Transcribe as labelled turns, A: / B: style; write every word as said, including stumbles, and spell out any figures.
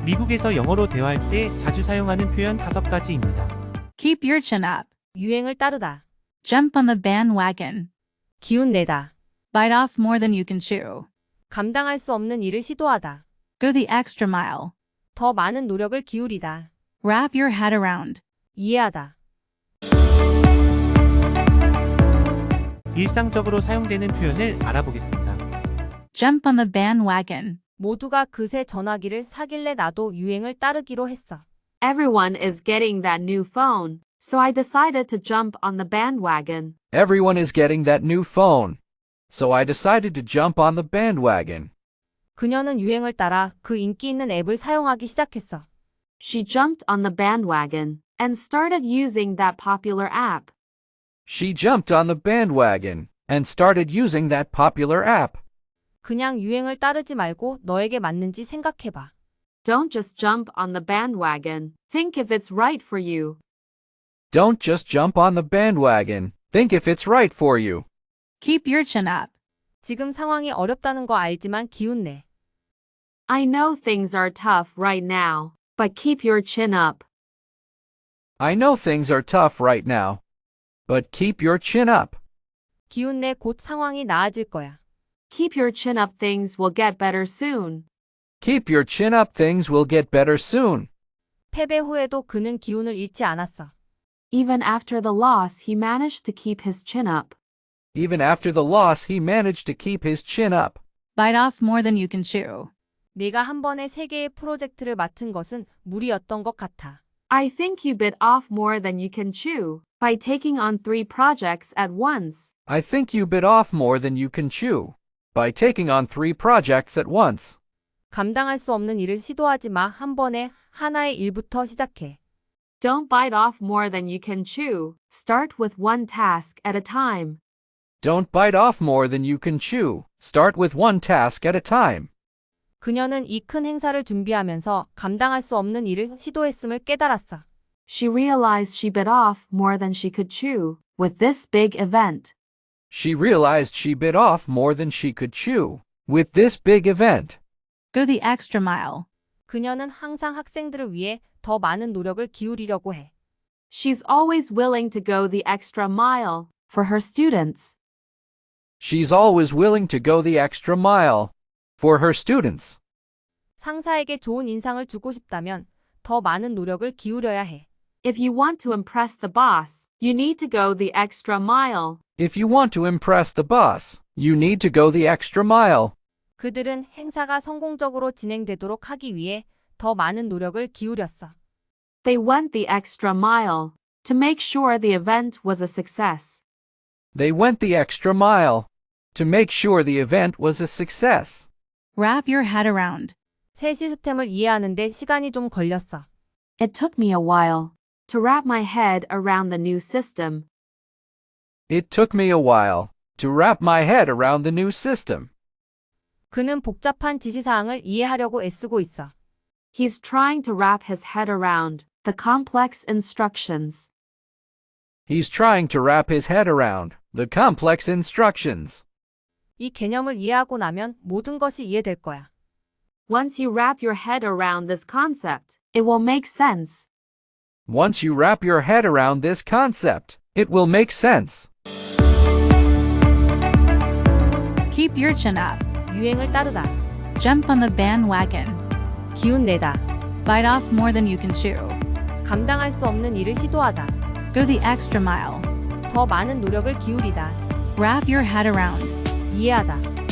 A: 미국에서 영어로 대화할 때 자주 사용하는 표현 다섯 가지입니다.
B: Keep your chin up.
C: 유행을 따르다.
B: Jump on the bandwagon.
C: 기운 내다.
B: Bite off more than you can chew.
C: 감당할 수 없는 일을 시도하다.
B: Go the extra mile.
C: 더 많은 노력을 기울이다.
B: Wrap your head around.
C: 이해하다.
A: 일상적으로 사용되는 표현을 알아보겠습니다.
B: Jump on the bandwagon.
C: 모두가 그새 전화기를 사길래 나도 유행을 따르기로 했어.
D: Everyone is getting that new phone, so I decided to jump on the bandwagon.
E: Everyone is getting that new phone. So I decided to jump on the bandwagon.
C: 그녀는 유행을 따라 그 인기 있는 앱을 사용하기 시작했어.
D: She jumped on the bandwagon and started using that popular app.
E: She jumped on the bandwagon and started using that popular app.
C: 그냥 유행을 따르지 말고 너에게 맞는지 생각해봐.
D: Don't just jump on the bandwagon. Think if it's right for you.
E: Don't just jump on the bandwagon. Think if it's right for you.
B: Keep your chin up.
C: 지금 상황이 어렵다는 거 알지만 기운 내.
D: I know things are tough right now, but keep your chin up.
E: I know things are tough right now, but keep your chin up.
C: 기운 내 곧 상황이 나아질 거야.
D: Keep your chin up. Things will get better soon.
E: Keep your chin up. Things will get better soon.
C: 패배 후에도 그는 기운을 잃지 않았어.
D: Even after the loss, he managed to keep his chin up.
E: Even after the loss, he managed to keep his chin up.
B: Bite off more than you can chew.
C: 네가 한 번에 세 개의 프로젝트를 맡은 것은 무리였던 것 같아.
D: I think you bit off more than you can chew by taking on three projects at once.
E: I think you bit off more than you can chew by taking on three projects at once.
C: 감당할 수 없는 일을 시도하지 마. 한 번에 하나의 일부터 시작해.
D: Don't bite off more than you can chew. Start with one task at a time.
E: Don't bite off more than you can chew. Start with one task at a time.
C: 그녀는 이 큰 행사를 준비하면서 감당할 수 없는 일을 시도했음을 깨달았어.
D: She realized she bit off more than she could chew with this big event.
E: She realized she bit off more than she could chew with this big event.
B: Go the extra mile.
C: 그녀는 항상 학생들을 위해 더 많은 노력을 기울이려고 해.
D: She's always willing to go the extra mile for her students.
E: She's always willing to go the extra mile for her students.
C: 상사에게 좋은 인상을 주고 싶다면 더 많은 노력을 기울여야 해.
D: If you want to impress the boss, you need to go the extra mile.
E: If you want to impress the boss, you need to go the extra mile.
C: 그들은 행사가 성공적으로 진행되도록 하기 위해 더 많은 노력을 기울였어.
D: They went the extra mile to make sure the event was a success.
E: They went the extra mile to make sure the event was a success.
B: Wrap your head around.
C: 새 시스템을 이해하는데 시간이 좀 걸렸어.
D: It took me a while to wrap my head around the new system.
E: It took me a while to wrap my head around the new system.
C: 그는 복잡한 지시사항을 이해하려고 애쓰고 있어.
D: He's trying to wrap his head around the complex instructions.
E: He's trying to wrap his head around the complex instructions.
C: 이 개념을 이해하고 나면 모든 것이 이해될 거야.
D: Once you wrap your head around this concept, it will make sense.
E: Once you wrap your head around this concept, it will make sense.
B: Keep your chin up.
C: 유행을 따르다.
B: Jump on the bandwagon.
C: 기운 내다.
B: Bite off more than you can chew.
C: 감당할 수 없는 일을 시도하다.
B: Go the extra mile.
C: 더 많은 노력을 기울이다.
B: Wrap your head around.
C: 이해하다.